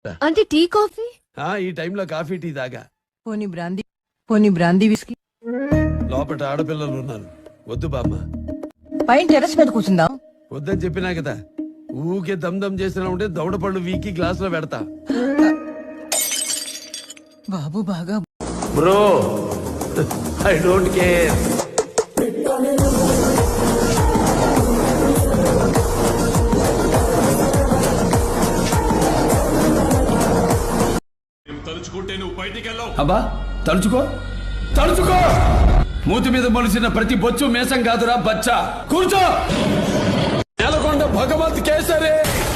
అంటే tea coffee ఈ టైంలో కాఫీ టీ తాగా. పోనీ బ్రాందీ విస్కీ. లోపల ఆడపిల్లలు ఉన్నారు, వద్దు బామ్మ. పైన టెర్రస్ మీద కూర్చుందాం. వద్దని చెప్పినా కదా. ఊకే దమ్ చేసినా ఉంటే దవడ పళ్ళు వీకి గ్లాస్ లో పెడతా. బాబు బాగా బ్రో, ఐ డోంట్ కేర్. తలుచుకుంటే నువ్వు బయటికి వెళ్ళవు. అబ్బా తలుచుకో తలుచుకో. మూతి మీద మొలిసిన ప్రతి బొచ్చు మేసం కాదురా బచ్చా. కూర్చో. నెలకొండ భగవత్ కేసరి.